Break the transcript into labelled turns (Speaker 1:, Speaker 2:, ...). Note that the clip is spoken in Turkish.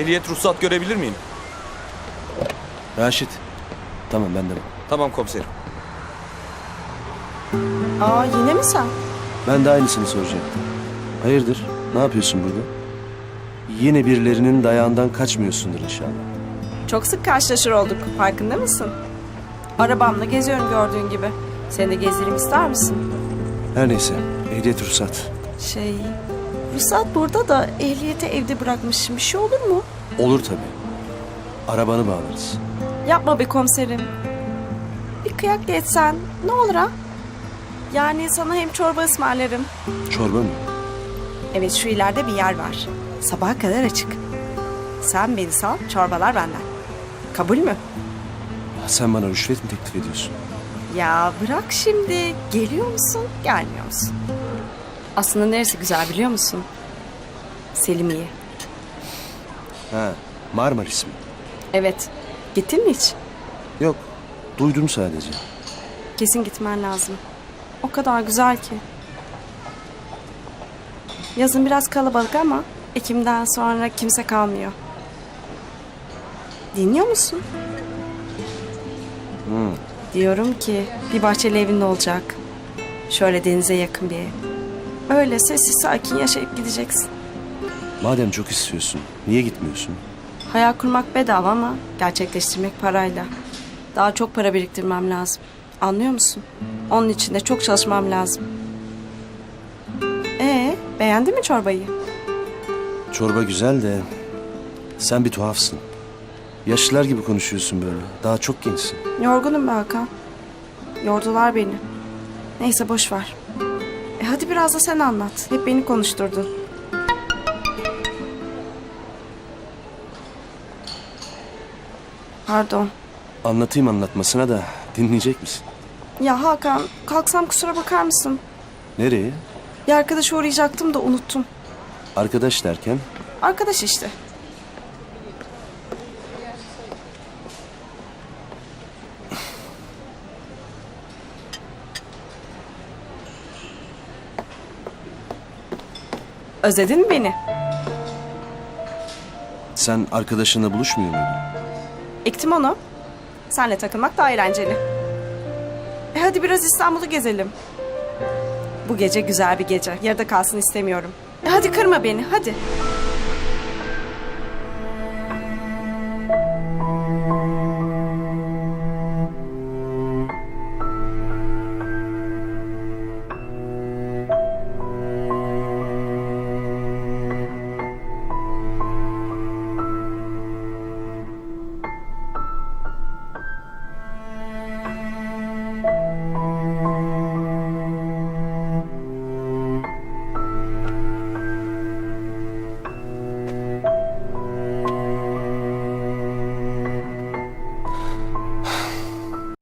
Speaker 1: Ehliyet ruhsat görebilir miyim?
Speaker 2: Raşit. Tamam ben de.
Speaker 1: Tamam komiserim.
Speaker 3: Aa, yine mi sen?
Speaker 2: Ben de aynısını soracaktım. Hayırdır? Ne yapıyorsun burada? Yine birilerinin dayağından kaçmıyorsundur inşallah.
Speaker 3: Çok sık karşılaşır olduk. Farkında mısın? Arabamla geziyorum gördüğün gibi. Seni de gezdireyim ister misin?
Speaker 2: Her neyse. Ehliyet ruhsat.
Speaker 3: Ruhsat burada da ehliyeti evde bırakmışım. Bir şey olur mu?
Speaker 2: Olur tabii. Arabanı bağlarız.
Speaker 3: Yapma be komiserim. Bir kıyak geçsen ne olur ha? Yani sana hem çorba ısmarlarım.
Speaker 2: Çorba mı?
Speaker 3: Evet, şu ileride bir yer var. Sabaha kadar açık. Sen beni sal, çorbalar benden. Kabul mü?
Speaker 2: Sen bana rüşvet mi teklif ediyorsun?
Speaker 3: Ya bırak şimdi. Geliyor musun, gelmiyor musun? Aslında neresi güzel biliyor musun? Selimiye.
Speaker 2: Ha, Marmaris mi?
Speaker 3: Evet. Gittin mi hiç?
Speaker 2: Yok. Duydum sadece.
Speaker 3: Kesin gitmen lazım. O kadar güzel ki. Yazın biraz kalabalık ama Ekim'den sonra kimse kalmıyor. Dinliyor musun? Diyorum ki bir bahçeli evin olacak. Şöyle denize yakın bir ev. Öyle sessiz sakin yaşayıp gideceksin.
Speaker 2: Madem çok istiyorsun, niye gitmiyorsun?
Speaker 3: Hayal kurmak bedava ama gerçekleştirmek parayla. Daha çok para biriktirmem lazım. Anlıyor musun? Onun için de çok çalışmam lazım. Beğendin mi çorbayı?
Speaker 2: Çorba güzel de sen bir tuhafsın. Yaşlılar gibi konuşuyorsun böyle. Daha çok gençsin.
Speaker 3: Yorgunum be Hakan. Yordular beni. Neyse boş ver. Hadi biraz da sen anlat. Hep beni konuşturdun. Pardon.
Speaker 2: Anlatayım anlatmasına da dinleyecek misin?
Speaker 3: Ya Hakan, kalksam kusura bakar mısın?
Speaker 2: Nereye?
Speaker 3: Bir arkadaşa uğrayacaktım da unuttum.
Speaker 2: Arkadaş derken?
Speaker 3: Arkadaş işte. Özledin mi beni?
Speaker 2: Sen arkadaşınla buluşmuyor muydun?
Speaker 3: Ektim onu. Senle takılmak daha eğlenceli. Hadi biraz İstanbul'u gezelim. Bu gece güzel bir gece. Yarıda kalsın istemiyorum. Hadi kırma beni, hadi.